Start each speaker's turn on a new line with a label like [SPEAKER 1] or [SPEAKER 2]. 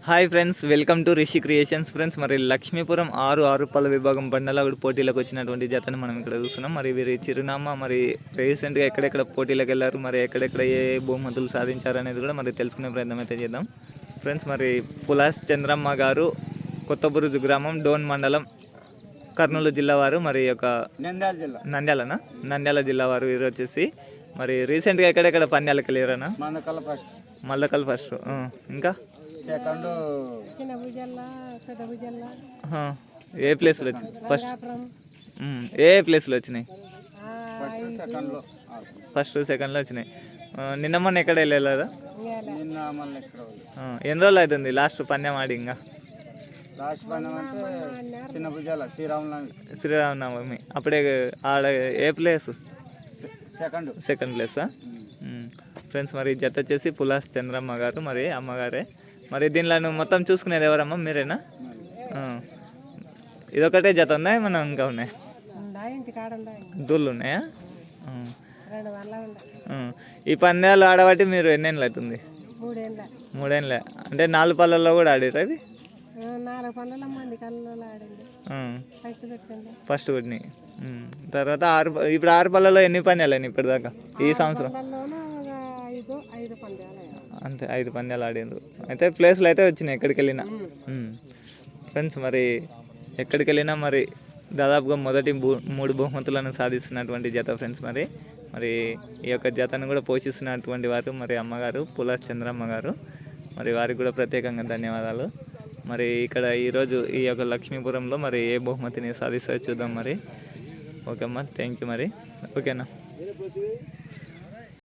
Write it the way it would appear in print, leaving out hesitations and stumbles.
[SPEAKER 1] Hi friends, welcome to Rishi creations. Friends, మరి లక్ష్మీపురం ఆరు పళ్ళ విభాగం బండల పోటీలకు వచ్చినటువంటి జతను మనం ఇక్కడ చూస్తున్నాం. మరి వీరి చిరునామా, మరి రీసెంట్గా ఎక్కడెక్కడ పోటీలకు వెళ్ళారు, మరి ఎక్కడెక్కడ ఏ బహుమతులు సాధించారు అనేది కూడా మరి తెలుసుకునే ప్రయత్నం అయితే చేద్దాం. ఫ్రెండ్స్, మరి పులాస్ చంద్రమ్మ గారు, కొత్తబురుజు గ్రామం, డోన్ మండలం, కర్నూలు జిల్లా వారు, మరి యొక్క నంద్యాల జిల్లా వారు. వీరు వచ్చేసి మరి రీసెంట్గా ఎక్కడెక్కడ పంద్యాలకు వెళ్ళారన్నా? మల్లకల్ ఫస్ట్, ఇంకా
[SPEAKER 2] సెకండ్
[SPEAKER 1] ఏ ప్లేస్లో వచ్చినాయి? ఏ ప్లేస్లో వచ్చినాయి? ఫస్ట్ సెకండ్లో వచ్చినాయి. నిన్న మొన్న ఎక్కడ వెళ్ళలేదా? ఎన్ని రోజులు అవుతుంది లాస్ట్ పందెం ఆడి? ఇంకా శ్రీరామనవమి అప్పుడే ఆడ. ఏ ప్లేస్? సెకండ్ ప్లేసా? ఫ్రెండ్స్, మరి జత వచ్చేసి పులాస్ చంద్రమ్మ గారు, మరి అమ్మగారే. మరి దీనిలో నువ్వు మొత్తం చూసుకునేది ఎవరమ్మా? మీరేనా? ఇదొకటే జత ఉందా, ఏమన్నా ఇంకా ఉన్నాయి? దూళ్ళు ఉన్నాయా? ఈ పందాలు ఆడబట్టి మీరు ఎన్నేళ్ళు అవుతుంది? 3 ఏళ్ళ. అంటే 4 పళ్ళల్లో కూడా ఆడిరా? ఇది ఫస్ట్ కొట్టినాయి. తర్వాత ఇప్పుడు 6 పళ్ళలో ఎన్ని పందాలు అయినాయి ఇప్పటిదాకా ఈ సంవత్సరం? అంతే, 5 పందాలు ఆడిండ్రు. అయితే ప్లేస్లు అయితే వచ్చినాయి ఎక్కడికి వెళ్ళినా. ఫ్రెండ్స్, మరి ఎక్కడికి వెళ్ళినా మరి దాదాపుగా మొదటి 3 బహుమతులను సాధిస్తున్నటువంటి జత ఫ్రెండ్స్. మరి ఈ యొక్క జతను కూడా పోషిస్తున్నటువంటి వారు మరి అమ్మగారు, పులాస్ చంద్రమ్మ గారు. మరి వారికి కూడా ప్రత్యేకంగా ధన్యవాదాలు. మరి ఇక్కడ ఈరోజు ఈ యొక్క లక్ష్మీపురంలో మరి ఏ బహుమతిని సాధిస్తారో చూద్దాం. మరి ఓకే అమ్మా, థ్యాంక్ యూ. మరి ఓకేనా?